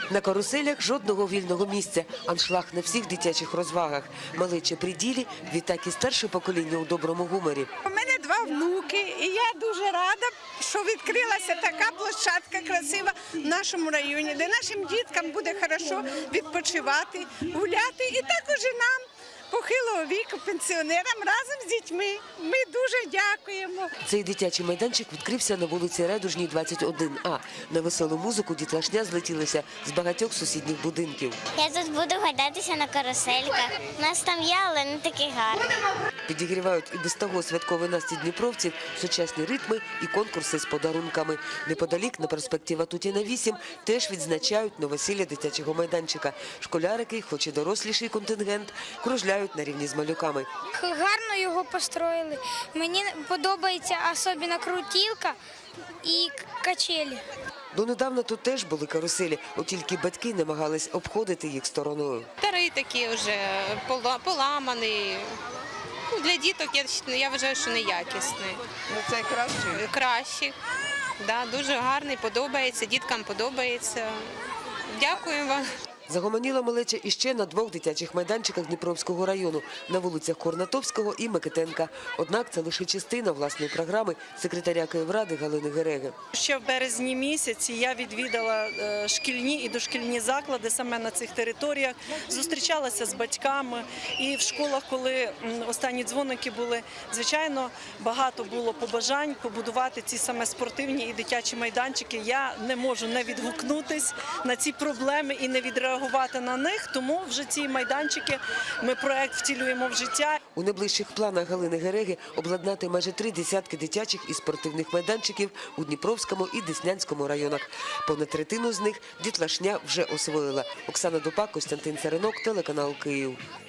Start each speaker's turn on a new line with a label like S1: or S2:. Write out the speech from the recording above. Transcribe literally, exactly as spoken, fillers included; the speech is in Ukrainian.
S1: На каруселях жодного вільного місця, аншлаг на всіх дитячих розвагах. Малече при ділі, відтак і старше покоління у доброму гуморі.
S2: У мене два внуки, і я дуже рада, що відкрилася така площадка красива в нашому районі, де нашим діткам буде хорошо відпочивати, гуляти і також і нам, похилого віку, пенсіонерам, разом з дітьми. Ми дуже дякуємо.
S1: Цей дитячий майданчик відкрився на вулиці Радужній, двадцять один А. На веселу музику дітлашня злетілася з багатьох сусідніх будинків.
S3: Я тут буду гойдатися на карусельках. У нас там є, але не такі гарні.
S1: Підігрівають і без того святковий настрій дніпровців, сучасні ритми і конкурси з подарунками. Неподалік на проспекті Ватутіна, вісім, теж відзначають новосілля дитячого майданчика. Школярики, хоч і доросліший контингент, кружляють на рівні з малюками.
S4: Гарно його построїли. Мені подобається особливо крутілка і качелі.
S1: Донедавна тут теж були каруселі, от тільки батьки намагались обходити їх стороною.
S5: Старий такий вже, поламаний. Ну, для діток я, я вважаю, що неякісний.
S2: Ну, це краще.
S5: Кращий, да, дуже гарний, подобається, діткам подобається. Дякую вам.
S1: Загомоніла малеча іще на двох дитячих майданчиках Дніпровського району – на вулицях Корнатовського і Микитенка. Однак це лише частина власної програми секретаря Київради Галини Гереги.
S6: Ще в березні місяці я відвідала шкільні і дошкільні заклади саме на цих територіях, зустрічалася з батьками. І в школах, коли останні дзвоники були, звичайно, багато було побажань побудувати ці саме спортивні і дитячі майданчики. Я не можу не відгукнутись на ці проблеми і не відреагувати на них, тому вже ці майданчики, ми проект втілюємо в життя.
S1: У найближчих планах Галини Гереги обладнати майже три десятки дитячих і спортивних майданчиків у Дніпровському і Деснянському районах. Понад третину з них дітлашня вже освоїла. Оксана Дупак, Костянтин Царинок, телеканал Київ.